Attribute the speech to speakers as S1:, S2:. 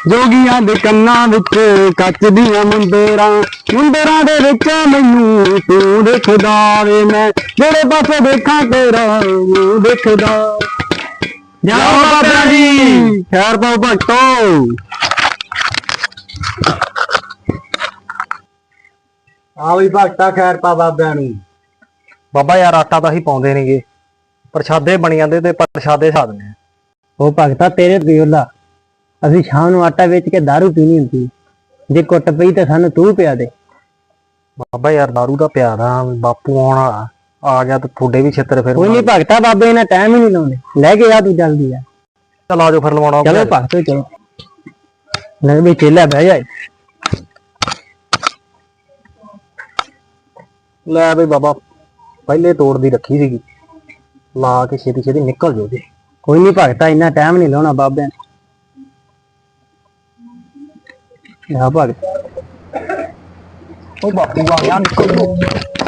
S1: ਜੋਗੀਆਂ ਦੇ ਕੰਨਾਂ ਵਿੱਚ ਕੱਚ ਦੀਆਂ ਮੁੰਦਰਾਂ ਦੇ ਵਿੱਚ ਮੈਨੂੰ ਤੂੰ ਦੇਖਦਾ ਵੇ ਮੈਂ ਜਿਹੜੇ ਪਾਸੇ ਦੇਖਾਂ ਤੇਰਾ ਮੂੰਹ ਦੇਖਦਾ। ਜਾਓ ਬਾਬਾ ਜੀ, ਖੈਰ ਪਾਓ ਭਗਤੋ। ਆ ਵੀ ਭਗਤਾ ਖੈਰ ਪਾ ਬਾਬਿਆਂ ਨੂੰ।
S2: ਬਾਬਾ ਯਾਰ ਆਟਾ ਤਾਂ ਹੀ ਪਾਉਂਦੇ ਨੇਗੇ, ਪ੍ਰਸ਼ਾਦੇ ਬਣ ਜਾਂਦੇ ਤੇ ਪ੍ਰਸ਼ਾਦੇ ਸਾਧਨੇ।
S1: ਉਹ ਭਗਤਾ ਤੇਰੇ ਦਿਓਲਾ, ਅਸੀਂ ਸ਼ਾਮ ਨੂੰ ਆਟਾ ਵੇਚ ਕੇ ਦਾਰੂ ਪੀਣੀ ਹੁੰਦੀ, ਜੇ ਕੁੱਟ ਪਈ ਤਾਂ ਸਾਨੂੰ ਤੂੰ ਪਿਆ ਦੇ।
S2: ਬਾਬਾ ਯਾਰ ਦਾਰੂ ਦਾ ਪਿਆਦਾ ਬਾਪੂ ਆਉਣ ਵਾਲਾ, ਆ ਗਿਆ ਤੇ ਤੁਹਾਡੇ ਵੀ ਛਿੱਤਰ ਫਿਰ।
S1: ਕੋਈ ਨਹੀਂ ਭਗਤਾ, ਬਾਬੇ ਇਹਨਾਂ ਟਾਈਮ ਹੀ ਨਹੀਂ ਲਾਉਂਦੇ, ਲੈ ਕੇ ਆ ਤੂੰ ਜਲਦੀ ਆ।
S2: ਚਲ ਆਜੋ ਫਿਰ ਲਵਾਉਣਾ।
S1: ਚਲੋ ਭਗਤੋ ਚਲੋ, ਲੈ ਵੀ ਚੇਲਾ ਬਹਿ ਜਾ।
S2: ਲੈ ਬਈ ਬਾਬਾ, ਪਹਿਲੇ ਤੋੜਦੀ ਰੱਖੀ ਸੀਗੀ, ਲਾ ਕੇ ਛੇਤੀ ਛੇਤੀ ਨਿਕਲ ਜਾਓ ਜੀ।
S1: ਕੋਈ ਨਹੀਂ ਭਗਤਾ, ਇੰਨਾ ਟਾਈਮ ਨਹੀਂ ਲਾਉਣਾ ਬਾਬਿਆਂ ਨੇ। ਭਗਤ
S2: ਉਹ ਬਾਪੂ ਆ ਗਿਆ, ਨਿਕਲ ਜਾਓ।